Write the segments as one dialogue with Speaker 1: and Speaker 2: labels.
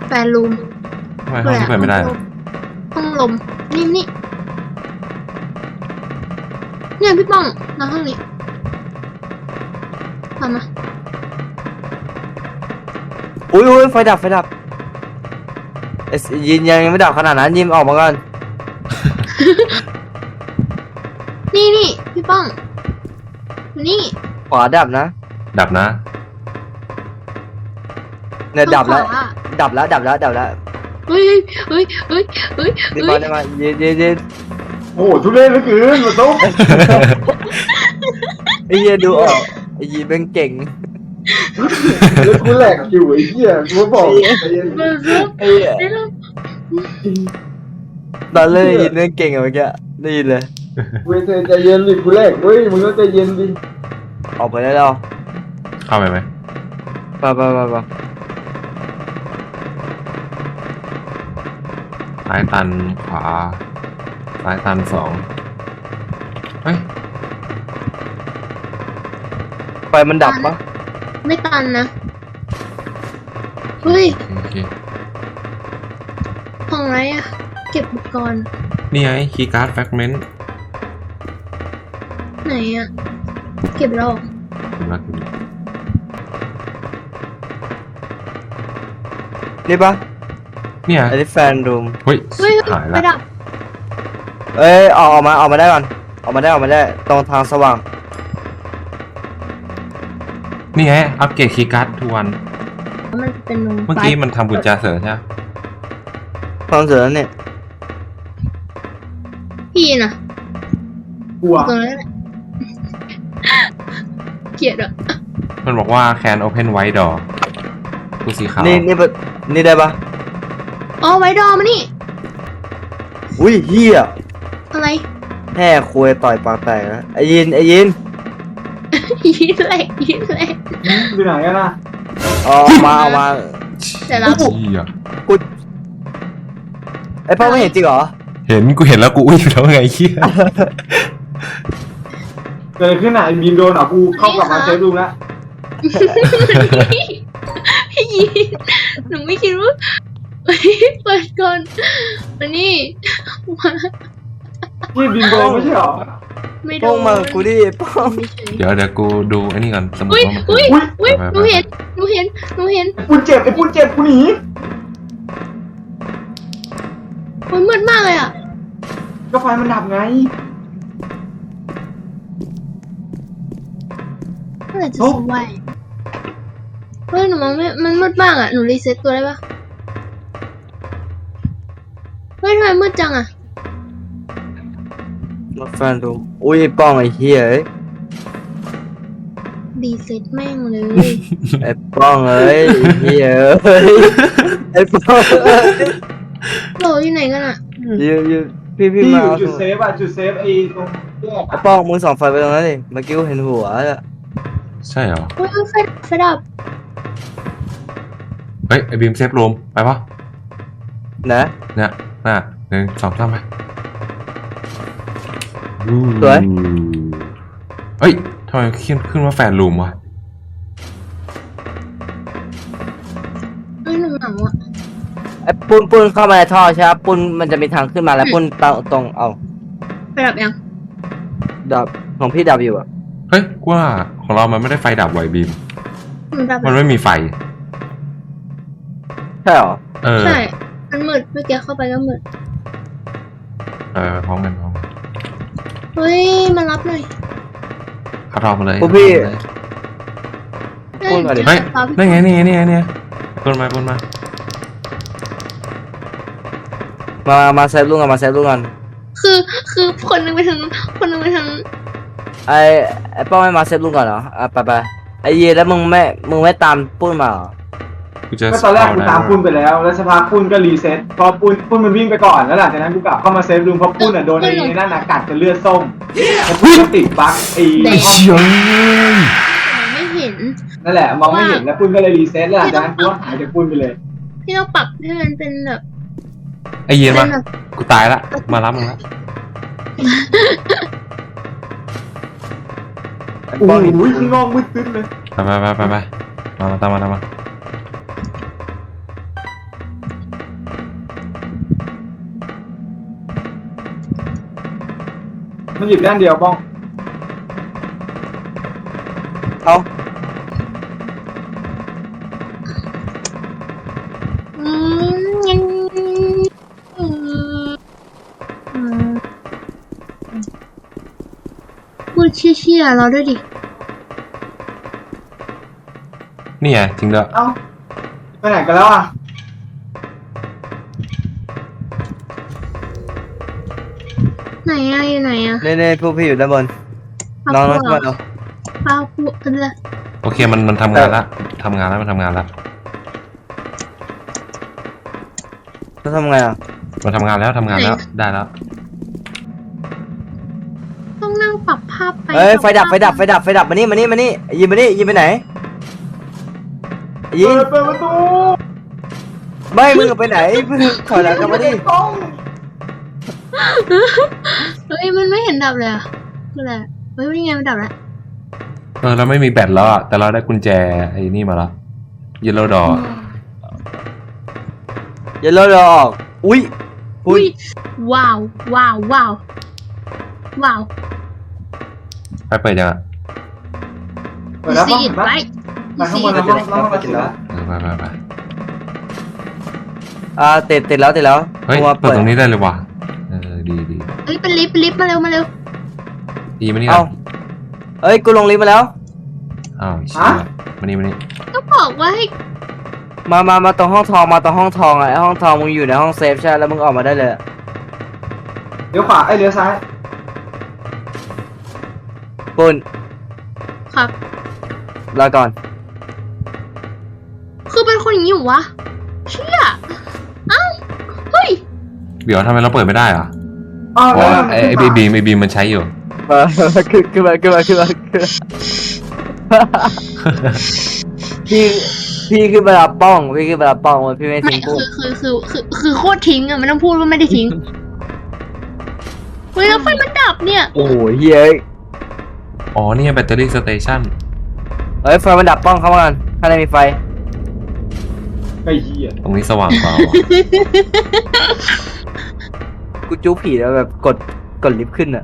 Speaker 1: แฟนรูม
Speaker 2: ทำไมห้องนี้เปิดไม่ได้
Speaker 1: ห้องลมนี่เนี่ยพี่ป้องมาห้องนี้ทำมา
Speaker 3: อุ้ยไฟดับยินยังไม่ดับขนาดนั้นยินออกมาก่อน
Speaker 1: นี่พี่ป้องนี่
Speaker 3: ขวาดับนะ
Speaker 2: ดับนะ
Speaker 3: เนี่ยดับแล้ว
Speaker 1: ขวา
Speaker 3: ดับแล้ว
Speaker 1: เฮ้ย
Speaker 3: นี่มายิน
Speaker 4: โอ้โหทุเรศเหลือเกินมาตุ๊บ
Speaker 3: ไอ้เหี้ยดูออกไอ้ยินเป็นเก่ง
Speaker 4: แล้วกูแหลกอยู่ไอ้เหี้ยกูบอกใจเย็น
Speaker 1: เบอร์ซุป
Speaker 3: ไอ้เหี้ยตอนเล่นยินเป็นเก่งอะเมื่อกี้ได้ยินเลย
Speaker 4: เว้ยใจเย็นดิกูแหลกเว้ยมึงต้องใจเย็นดิ
Speaker 3: ออกไปได้แล้ว
Speaker 2: เข้าไปไหม
Speaker 3: ไป
Speaker 2: ซ้ายตันขวาซ้ายตัน2เฮ้ย
Speaker 3: ไฟมันดับปะ
Speaker 1: ไม่ตันนะเฮ้ย
Speaker 2: โอเค
Speaker 1: ห้องไรอะเก็บอุปกรณ์
Speaker 2: นี่ไงคีย์การ์ดแฟกเมนต์
Speaker 1: ไหนอะเก็บแล้ว
Speaker 3: นี่ปะ
Speaker 2: เนี่ย
Speaker 3: อันนี้แฟนรูม
Speaker 2: เฮ้ย
Speaker 1: เฮ้ย
Speaker 2: หาย
Speaker 1: ไป
Speaker 2: ละ
Speaker 1: ดับ
Speaker 3: เอ้ยออกมาได้ก่อนออกมาได้ตรงทางสว่าง
Speaker 2: นี่ไงอัปเกรดคีย์การ์ดทุกวัน
Speaker 1: มันเป็นรูม
Speaker 2: เมื่อกี้มันทำกุญแจเสริมใช่ไหม
Speaker 3: ความเสือเนี่ย
Speaker 1: พี่น่ะ
Speaker 4: กลัว
Speaker 1: ตรงนั้นแหละเกลียดอะ
Speaker 2: มันบอกว่า can open white door กูสีขาว
Speaker 3: นี่ได้ปะ
Speaker 1: อ๋อไว้ดอมานี่
Speaker 3: อุ้ยเฮีย
Speaker 1: อะไร
Speaker 3: แห่คุยต่อยปากแตกนะไอ้ยิน
Speaker 1: ยิ้มแหลก
Speaker 4: อยู่ไหนกันนะ
Speaker 3: ออกมา
Speaker 1: แต่เรา
Speaker 2: เหี้ย
Speaker 3: ไอ้พ่อไม่เห็นจริงเหรอ
Speaker 2: เห็นกูเห็นแล้วกูอุ้ยแล้วไงเหี้ย
Speaker 4: เกิดอะไรขึ้นอ่ะไอ้บีมโดนเหรอกูเข้ากลับมาเซฟรูมแล้ว
Speaker 1: พี่ยีหนูไม่คิดว่าเปิดก่อนมานี่มา
Speaker 4: พี่บีมโดนไม่ใช่เหรอ
Speaker 1: ไม่โด
Speaker 3: ป้อง
Speaker 1: น
Speaker 3: มากูดิป้อง
Speaker 2: เดี๋ยวกูดูไอ้นี่ก่อนสมุด
Speaker 1: อุ้ย
Speaker 2: ว่ามัน
Speaker 1: อุ้ยหนูเห็น
Speaker 4: ไอ้ปุ้นเจ็บกูหนี
Speaker 1: มันมืดมากเลยอ่ะ
Speaker 4: ก็ไฟมันดับไง
Speaker 1: เมื่อไหร่จะสว่างเฮ้ยหนูมองไม่มันมืดมากอ่ะหนูรีเซ็ตตัวได้ปะเฮ้ยทำไมมืดจังอ่ะ
Speaker 3: มาแฟนรูมอุ้ยไอ้ป้องไอ้เฮียเอ้ย
Speaker 1: รีเซ็ตแม่งเลย
Speaker 3: ไอ้ป้องเอ้ยไอ้เฮียเอ้ยไอ้ป้องเอ้ย
Speaker 1: โหลอยู่ไหนกันอ่ะ
Speaker 3: ยืพี่
Speaker 4: พี่อ
Speaker 3: มา
Speaker 4: ยู่
Speaker 3: เอา
Speaker 4: จุดเซฟอ่ะจุดเซฟไอ้ตรงแยก
Speaker 3: ไอ้ป้องมึงส่องไฟไปตรงนั้นดิเมื่อกี้กูเห็นหัวอะ
Speaker 2: ใช่เหรอ
Speaker 1: เฮ้ยไฟดับ
Speaker 2: เฮ้ยไอ้บีมเซฟรูมไปปะ
Speaker 3: นะ
Speaker 2: เนี่ยน่ะ1 2 3ไป
Speaker 3: สวย
Speaker 2: เฮ้ยทำไมขึ้นว่าแฟนรูมวะ
Speaker 1: เฮ้ยหนูเหงาอ่ะ
Speaker 3: ไอ้ปุ้นเข้ามาในท่อใช่ไหมปุ้นมันจะมีทางขึ้นมาแล้วปุ้นตรงเอา
Speaker 1: ไฟดับยัง
Speaker 3: ดับของพี่ดับอยู่อะ
Speaker 2: เฮ้ยกูว่าของเรามันไม่ได้ไฟดับไวบีม
Speaker 1: หนูดับ
Speaker 2: มันไม่มีไฟ
Speaker 3: ใช่เหรอ
Speaker 1: ใช่ มันมืดเมื่อกี้เข้าไปก็มืด
Speaker 2: พร้อมกัน
Speaker 1: เฮ้ยมารับหน่อย
Speaker 2: เข้ารอบมาเลย
Speaker 3: พวกพี่
Speaker 1: เฮ้ย
Speaker 3: พูดมาดิ
Speaker 2: เฮ้ย
Speaker 1: ฟ้าพี่
Speaker 2: นั่นไงนี่ปนมา
Speaker 3: มาเซฟลูกกันมาเซฟลูกกัน
Speaker 1: คือคนหนึงไปทางนู้นคนหนึงไปทางนู้น
Speaker 3: ไอ้ป้องไม่มาเซฟลูกก่อนเหรออ่ะไปไอ้เยแล้วมึงไม่ตามปุ้นมาเหรอ
Speaker 2: กูจะ
Speaker 4: ก็ตอนแรกกูตามปุ้นไปแล้วแล้วสักพักปุ้นก็รีเซ็ตพอปุ้นมันวิ่งไปก่อนแล้วหลังจากนั้นกูกลับเข้ามาเซฟรูมเพราะปุ้นอ่ะโดนไอ้นั่นกัดจนเลือดส้มแล้วปุ้นก็ติดบั๊กไอ้
Speaker 2: เชี่ย
Speaker 1: ไม่เห็น
Speaker 4: นั่นแหละมองไม่เห็นแล้วปุ้นก็เลยรีเซ็ตแล้วหลังจากนั้นกูก็หายจากปุ้นไปเลย
Speaker 1: พี่ต้องปรับให้มันเป็นแบบ
Speaker 2: ไอ้เย็น
Speaker 1: เป็
Speaker 2: มาน
Speaker 1: แบบ
Speaker 2: กูตายละมารับมึงละ
Speaker 3: ไอ้
Speaker 4: โอ้
Speaker 3: ป้อง
Speaker 4: โหข้างนอกมืดตึ๊ดเลย
Speaker 2: ไปมาตามมา
Speaker 4: มันหยิบด้านเดียวป้อง
Speaker 3: เอา
Speaker 1: ยังพูดเชี่ยๆเราด้วยดิ
Speaker 2: นี่ไงจริงด้วย
Speaker 4: เอ้าไปไหนกันแล้วอ่ะ
Speaker 1: ไหนอะอยู่ไหนอะ
Speaker 3: เนี่ยพวกพี่อยู่ด้านบนน้องๆขึ้นมาเอา
Speaker 1: ป้าพูดอะไร
Speaker 2: โอเคมันทำงานละทำงานแล้วมันทำงานละ
Speaker 3: แล้วทำไงอ่ะ
Speaker 2: มันทำงานแล้วทำงานแล้วได้แล้ว
Speaker 1: ต้องนั่งปรับภาพไป
Speaker 3: เฮ้ยไฟดับมานี่ยิงไปไหนยิง
Speaker 4: เปิดประตู
Speaker 3: ไม่มึงไปไหนมึงถอยหลังกลับมาดิ
Speaker 4: ป้อง
Speaker 1: เฮ้ยมันไม่เห็นดับเลยอะคืออะไรเฮ้ยนี่ไงมันดับแล้ว
Speaker 2: เราไม่มีแบตแล้วอะแต่เราได้กุญแจไอ้นี่มาแล้วเยลโล่ดอ
Speaker 3: อย่าเลิกออกอุ้ย
Speaker 1: ว้าว
Speaker 2: ไปเปิดยังอะ
Speaker 4: เปิดแล้วป้อง
Speaker 1: ซีด
Speaker 4: ไป
Speaker 1: ไว้
Speaker 4: ไปข้างบนแล้วป้องแล้วมาติดแล้ว
Speaker 2: ไป
Speaker 3: ติดแล้ว
Speaker 2: เฮ้ย
Speaker 3: ตัว
Speaker 2: เปิดตรงนี้ได้เลยว่ะดี
Speaker 1: เฮ้ยเป็นลิฟต์มาเร็ว
Speaker 2: ดีมานี่
Speaker 3: เอ้าเอ้ยกูลงลิฟต์มาแล้ว
Speaker 2: อ้าวเชี่ยมานี่
Speaker 1: ก็บอกว่าให้
Speaker 3: มาตรงห้องทองอ่ะไอ้ห้องทองมึงอยู่ในห้องเซฟใช่แล้วมึงออกมาได้เลย
Speaker 4: เลี้ยวขวาเลี้ยวซ้าย
Speaker 3: ปุ่น
Speaker 1: ครับ
Speaker 3: รอก่อน
Speaker 1: คือเป็นคนอย่างนี้อยู่วะเชี่ยเอ้าเฮ้ย
Speaker 2: เดี๋ยวทำไมเราเปิดไม่ได้อะ
Speaker 4: อ๋อ
Speaker 2: เพราะ
Speaker 4: แล้ว
Speaker 2: ว่าไอ้บีมมันใช้อยู่
Speaker 3: ขึ้นมาพี่ขึ้นมารับป้องพี่ไม่
Speaker 1: ไม่
Speaker 3: ทิ้งกู
Speaker 1: คือโคตรทิ้งอะไม่ต้องพูดว่าไม่ได้ทิ้งเฮ้ยแล้วไฟมันดับเนี่ย
Speaker 3: โอ้ยเฮ้ย
Speaker 2: อ๋อนี่แบตเตอรี่สเตชัน
Speaker 3: เฮ้ยไฟมันดับป้องเข้ามากันข้างในมีไฟ
Speaker 4: ไอ้เหี้ย
Speaker 2: ตรงนี้สว่างกว่าว่ะ
Speaker 3: กูจู้ผีแล้วแบบกดลิฟต์ขึ้นอ่ะ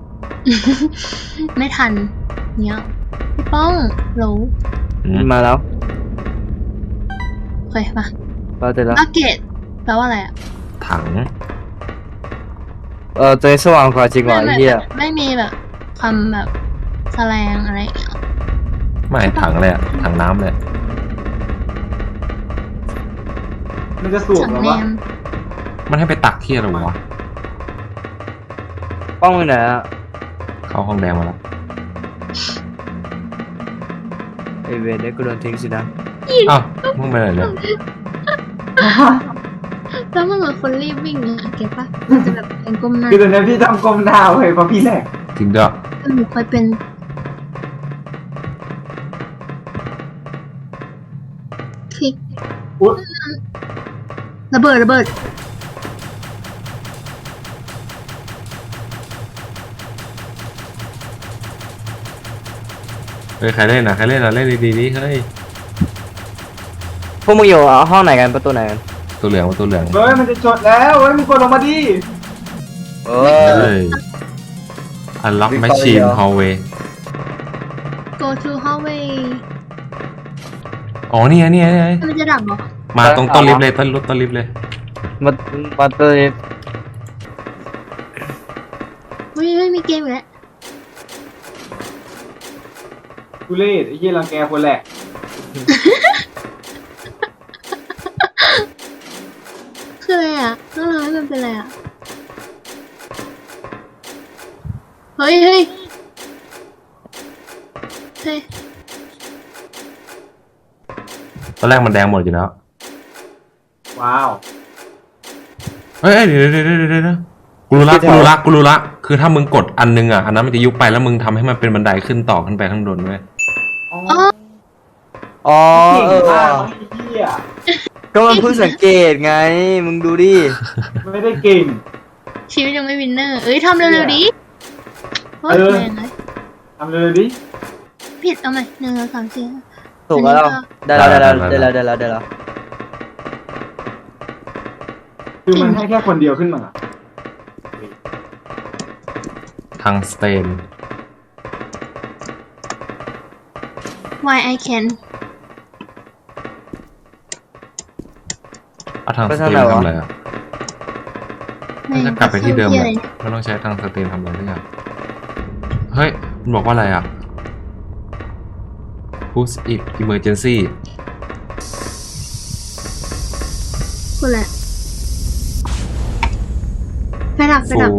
Speaker 1: ไม่ทันเนี่ยพี่ป้องโหล
Speaker 3: มาแล้ว
Speaker 1: โอเคมา
Speaker 3: เราเสร็จแล้ว
Speaker 1: บักเก็ตแปลว่าอะไรอะ
Speaker 2: ถัง
Speaker 3: ตัวนี้สว่างกว่าจริงว่ะไอ้เหี้ย
Speaker 1: ไม่มีแบบคำแบบแสลงอะไรอย่างเงี้ย
Speaker 2: ไม่ถังเลยอะถังน้ำเลย
Speaker 4: มันจะสูบ
Speaker 1: สั่ง
Speaker 4: หรอ
Speaker 1: แน
Speaker 4: วะ
Speaker 1: ม
Speaker 2: มันให้ไปตักที่อะไรวะ
Speaker 3: ป้องอยู่ไหนอ่ะ
Speaker 2: เข้าห้องแดงมาแล้ว
Speaker 3: ไอเวรเนี่ยกูโดนทิ้งสินะ
Speaker 2: อ้าวมึงไปไหนเลย
Speaker 1: แล้วมันเหมือนคนรีบวิ่งอะเก็ตปะมันจะแบบเป็นก้มหน้า
Speaker 4: คือตอนนี้พี่ทำกลมดาวเลยเพราะพี่แหลก
Speaker 2: จริงด้วย
Speaker 1: หนูเคยเป็นคลิก
Speaker 4: อุ๊ย
Speaker 1: ระเบิด
Speaker 2: เฮ้ยใครเล่นอะเล่นดีๆเฮ้ย
Speaker 3: พวกมึงอยู่ห้องไหนกันประตูไหนกัน
Speaker 2: ตัวเหลือง
Speaker 4: เฮ้ยมันจะจดแล้วเฮ้ยมึงกดลงมาดิ
Speaker 3: เอ
Speaker 2: เฮ้ย Unlock Machine Hallway
Speaker 1: go to hallway
Speaker 2: อ๋อนี่ไง
Speaker 1: มันจะดับเหรอ
Speaker 2: มาตรงต้นลิฟต์เลยต้นลิฟต์เลย
Speaker 3: มาตัวนี้
Speaker 1: เฮ้ยมีเกมอีกแล้ว
Speaker 4: กูเล่ไอ้เหี้ยรังแกคนแหลก
Speaker 1: คืออะไรอ่ะต้องทำให้มันเป็นอะไรอ่ะเฮ้ย
Speaker 2: ตอนแรกมันแดงหมดอยู่แล้ว
Speaker 4: ว้าว
Speaker 2: เฮ้ยเดี๋ยวกูรู้ละคือถ้ามึงกดอันนึงอะอันนั้นมันจะยุบไปแล้วมึงทำให้มันเป็นบันไดขึ้นต่อขึ้นไปข้างบนเว้ย
Speaker 3: อ๋อ
Speaker 4: เก่ง
Speaker 3: เออ
Speaker 4: มากไอ้เหี้ย
Speaker 3: ก็มันเพิ่งสังเกตไงมึงดูดิ
Speaker 4: ไม่ได้เก่ง
Speaker 1: ชีวิตยังไม่วินเนอร์เอ้ยทำเร็วๆดิโคตรแรงเลย
Speaker 4: ทำเลยดิ
Speaker 1: ผิดเอาใหม่1 2 3 4
Speaker 3: ถูกแล้วได้แล้ว
Speaker 4: คือมันให้แค่คนเดียวขึ้นมา
Speaker 2: ทางางสเตน
Speaker 1: why I can
Speaker 2: เอาทางสเตนทำอะไรอ่ะจะกลับไปที่เดิมเลยไม่ต้องใช้ทางสเตนทำอะไรทุกอย่างเฮ้ยมันบอกว่าอะไรอ่ะ push it emergency
Speaker 1: คุณแหละไฟดับ
Speaker 2: full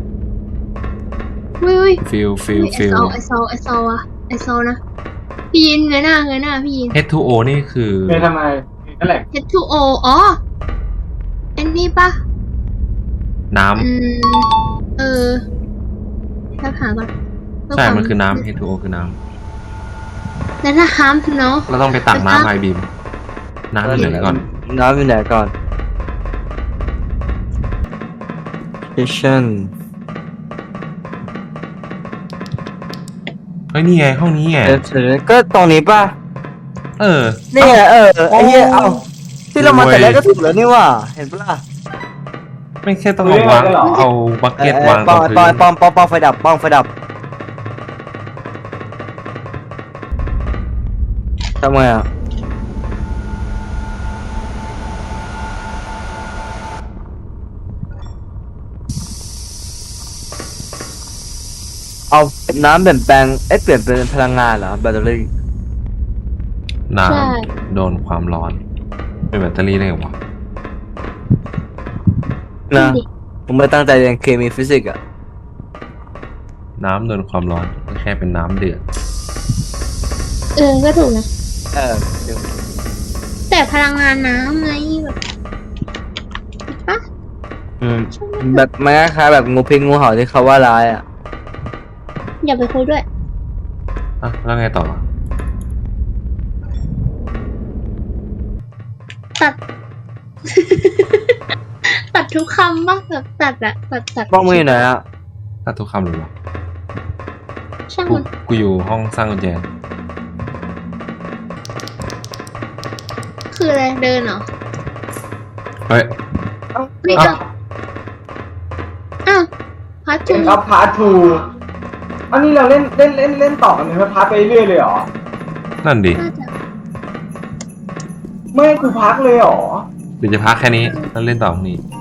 Speaker 1: อุ้ย
Speaker 2: fill
Speaker 1: ไอซออะไอซอนะพี่ยินเงยหน้าพี่ยิน
Speaker 2: H2O นี่คือ
Speaker 4: เป็นทำไมนั่นแหละ
Speaker 1: H2O อ๋อไอ้นี่ปะ
Speaker 2: น้
Speaker 1: แล้วหาก่อน
Speaker 2: ำใช่มันคือน้ำ H2O คือน้
Speaker 1: แล้วถ้าห้ามเนาะ
Speaker 2: ำเราต้องไปตักน้ำไอบีมน้ำอยู่ไหนก่อน
Speaker 3: น้ำอยู่ไหนก่อน kitchen
Speaker 2: เฮ้ยนี่ไงห้องนี้ไง
Speaker 3: ก็ตรงนี้ป่ะ
Speaker 2: เออ
Speaker 3: นี่ไงไอ้เหี้ยเอาที่เรามาแต่แรกก็ถูกแล้วนี่ว่าเห็นปะล่ะ
Speaker 2: ไม่แค่ต้องเอาวางเอาบักเก็ตวางต
Speaker 3: ป้
Speaker 2: ร
Speaker 3: อง ง
Speaker 2: พื้
Speaker 3: ป้องไฟดับป้องไฟดับทำไมอ่ะเอาน้ำเปลี่ยนแปลงเปลี่ยนเป็นพลังงานเหรอแบตเตอรี่
Speaker 2: น้ำโดนความร้อนเป็นแบตเตอรี่ได้ไงวะ
Speaker 3: นะผมไม่ตั้งใจเรียนเคมีฟิสิกส์อ่ะ
Speaker 2: น้ำโดนความร้อนก็แค่เป็นน้ำเดือด
Speaker 1: ก็ถูกนะ
Speaker 3: เดี๋ยว
Speaker 1: แต่พลังงานน้ำไงแบบปะ
Speaker 3: แบบมันคล้ายๆแบบงูพิษงูเห่าที่เขาว่าร้ายอ่ะ
Speaker 1: อย่าไปคุยด้วย
Speaker 2: อ่ะแล้วไงต่อ
Speaker 1: ตัด ตัดทุกคำบ้างแบบตัดอะตัด
Speaker 3: ป้องมืออยู่ไหนอ่ะ
Speaker 2: ถ้าทุกคำเลยวะ
Speaker 1: ช่าง
Speaker 2: กู
Speaker 1: มัน
Speaker 2: กูอยู่ห้องสร้างกุญแจ
Speaker 1: คืออะไรเดินเหรอ
Speaker 2: เฮ้ย
Speaker 1: นี่ก็อ้าวพัด
Speaker 4: เป็
Speaker 1: ถู
Speaker 4: นครับพาร์ททูอันนี้เราเล่นต่อกันเลยพาร์ทไปเรื่อยเลยเหรอ
Speaker 2: นั่นดิ
Speaker 1: น่าจะ
Speaker 4: ไม่ให้กูพักเลยเหรอ
Speaker 2: เดี๋ยวจะพักแค่นี้แล้วเล่นต่อพรุ่งนี้